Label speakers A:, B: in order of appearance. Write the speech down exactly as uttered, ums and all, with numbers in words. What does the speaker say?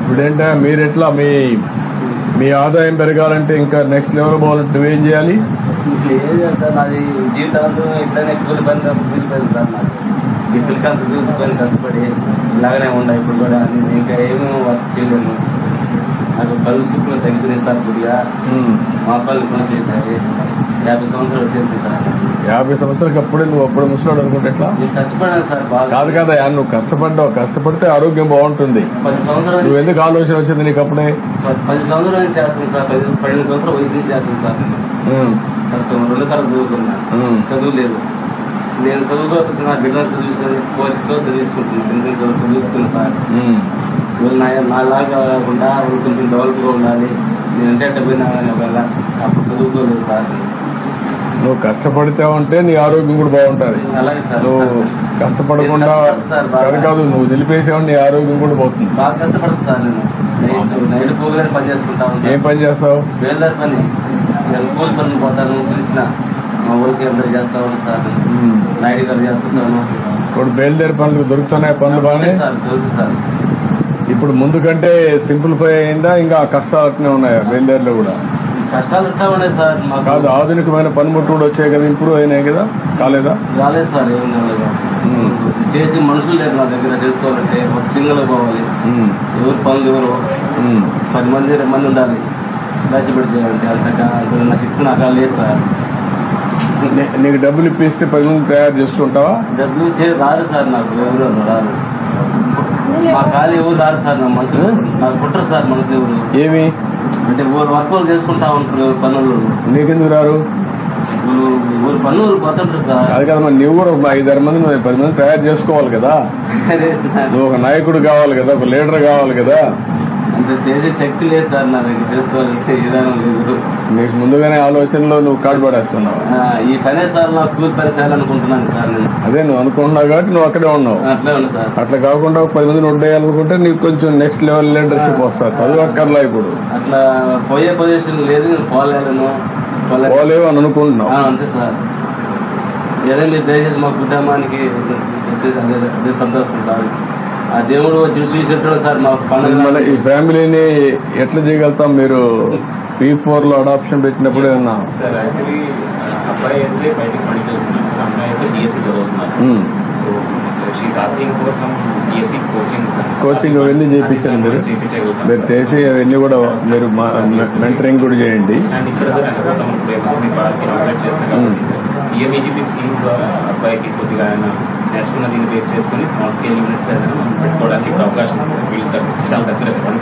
A: ఇప్పుడేంటా మీరు ఎట్లా మీ మీ ఆదాయం పెరగాలంటే ఇంకా నెక్స్ట్ లెవెల్ పోవాలంటే నువ్వేం చేయాలి?
B: ఏం చేస్తాను, నాది జీవితాంతం ఇట్లానే కూలి పని కూలి పని సార్. నాకు ఈ పిల్లకంత చూసుకొని కష్టపడి ఇలాగనే ఉన్నాయి. ఇప్పుడు కూడా నేను ఇంకా ఏమీ వర్క్ చేయలేను. నాకు కళ్ళు చూపులు తగ్గిపోయింది సార్. కొద్దిగా మా పనులు పని చేశారు. యాభై సంవత్సరాలు వచ్చేసింది సార్.
A: యాభై సంవత్సరాలకి అప్పుడే నువ్వు అప్పుడు ముసలాడు అనుకుంటే ఎట్లా?
B: నేను కష్టపడాను సార్ బాగా.
A: కాదు కదా, నువ్వు కష్టపడ్డావు. కష్టపడితే ఆరోగ్యం బాగుంటుంది.
B: పది సంవత్సరాలు
A: నువ్వు ఎందుకు ఆలోచన వచ్చింది నీకు అప్పుడే?
B: పది సంవత్సరాల నుంచి చేస్తాను సార్. పది పన్నెండు సంవత్సరాలు వయసు నుంచి చేస్తాను సార్. కష్టం రెండు తరం చదువుకున్నా, చదువు లేదు. నేను చదువుకోకపోతే నా బిడ్డలు చదివించుకొని కోరికతో చదివించుకుంటున్నాను. చదువు చదివించుకున్నాను సార్. వీళ్ళు నా నాలాగా కాకుండా వాళ్ళు కొంచెం డెవలప్గా ఉండాలి. నేను అంటే అట్ట పోయినా వల్ల అప్పుడు చదువుకోలేదు సార్.
A: నువ్వు కష్టపడితే ఉంటే నీ ఆరోగ్యం కూడా బాగుంటుంది.
B: అలాగే సార్.
A: నువ్వు కష్టపడకుండా కాదు కాదు నువ్వు నిలిపేసావు, నీ ఆరోగ్యం కూడా పోతుంది.
B: బాగా కష్టపడతా సార్. నేను నైట్ నైట్ పోగలని పని చేసుకుంటా ఉంటాను.
A: ఏం పని చేస్తావు?
B: వేలదారి పని. నేను కూలి పనులు పోతాను. పిలిచిన మా ఊరికి అందరూ చేస్తా ఉంటాను సార్. నైట్ గారు చేస్తుంటాను.
A: ఇప్పుడు బయలుదేరి పనులు దొరుకుతున్నాయి. పనులు బాగానే
B: సార్ దొరుకుతుంది సార్.
A: ఇప్పుడు ముందు కంటే సింప్లిఫై అయిందా? ఇంకా కష్టాలు అట్నే ఉన్నాయా బయలుదేరిలో కూడా?
B: కష్టాలు ఉంటా ఉన్నాయి సార్. మాకు
A: కాదు, ఆధునికమైన పనిముట్లు కూడా వచ్చాయి కదా, ఇంప్రూవ్ అయినాయి కదా, కాలేదా?
B: రాలేదు సార్. ఏం కాలేదు. చేసి మనుషులు లేరు నా దగ్గర. చేసుకోవాలంటే ఒక సింగల్ పోవాలి. ఎవరు పనులు ఎవరు పది మంది ఇరవై మంది ఉండాలి. దాచిపెట్టి చేయాలంటే అంత నాకు ఇప్పుడు నాకు లేదు సార్.
A: నీకు డబ్బులు ఇప్పిస్తే పది మంది తయారు చేస్తుంటావా?
B: డబ్బులు చే రారు సార్. నాకు ఎవరు రారు. మా ఖాళీ ఎవరు రారు సార్. నా మనుషులు నాకు పుట్టరు సార్. మనుషులు ఎవరు
A: ఏమి
B: అంటే ఊరు వర్క్ చేసుకుంటా ఉంటారు. పనులు
A: నీకెందుకు రారు?
B: ఊరు పనులు పోతుంటారు సార్.
A: అది కదా, మరి నువ్వు కూడా ఒక ఐదారు మంది నువ్వు పది మంది తయారు చేసుకోవాలి కదా. నువ్వు ఒక నాయకుడు కావాలి కదా, ఒక లీడర్ కావాలి కదా.
B: అంటే చేసే శక్తి లేదు సార్ నా దగ్గర. చేసుకోవాలంటే విధానం లేదు.
A: నీకు ముందుగానే ఆలోచనలో నువ్వు కాడు పడేస్తున్నావు.
B: ఈ పనే సార్ నాకు కూలి పని చేయాలనుకుంటున్నాను సార్. నేను
A: అదే నువ్వు అనుకుంటున్నావు కాబట్టి నువ్వు అక్కడే ఉన్నావు.
B: అట్లే ఉన్నా సార్.
A: అట్లా కాకుండా ఒక పది మంది నొడ్డేయాలనుకుంటే నీకు కొంచెం నెక్స్ట్ లెవెల్ లీడర్షిప్ వస్తారు. చదువు అక్కర్లా ఇప్పుడు.
B: అట్లా పోయే పొజిషన్ లేదు. నేను పోలేను.
A: పోలేవు అని అనుకుంటున్నావు.
B: అంతే సార్. ఏదో మీరు దయచేసి మా కుటుంబానికి అదే అదే సంతోషం సార్. ఆ దేవుడు వచ్చి చూసేటాడు సార్. మా పండుగ
A: ఈ ఫ్యామిలీని ఎట్లా చేయగలుగుతాం? మీరు పీ ఫోర్ లో అడాప్షన్ పెట్టినప్పుడు ఏమన్నా
C: సార్? యాక్చువల్లీ అబ్బాయి అయితే బయటకు పనికి వెళ్తున్నారు సార్. అమ్మాయి అయితే డిఎస్సీ చదువుతున్నారు. So she's asking for some DSC coaching sir.
A: Coaching అవన్నీ చేయించండి. మీరు మీరు చేసి అవన్నీ కూడా మీరు మెంటరింగ్ కూడా చేయండి.
C: అండ్ ఇక్కడ సార్ అనుకుంటాం ఇప్పుడు ఎంఎస్ఎంఈ పార్క్ అప్డేట్ చేస్తాం కాబట్టి పిఎంఈజీపీ స్కీమ్ ద్వారా అబ్బాయికి కొద్దిగా ఆయన నేర్చుకున్న దీన్ని బేస్ చేసుకుని స్మాల్ స్కేల్ యూనిట్స్ ఏదైనా మనం పెట్టుకోవడానికి ఇప్పుడు అవకాశం ఉంది సార్. వీళ్ళు చాలా దగ్గర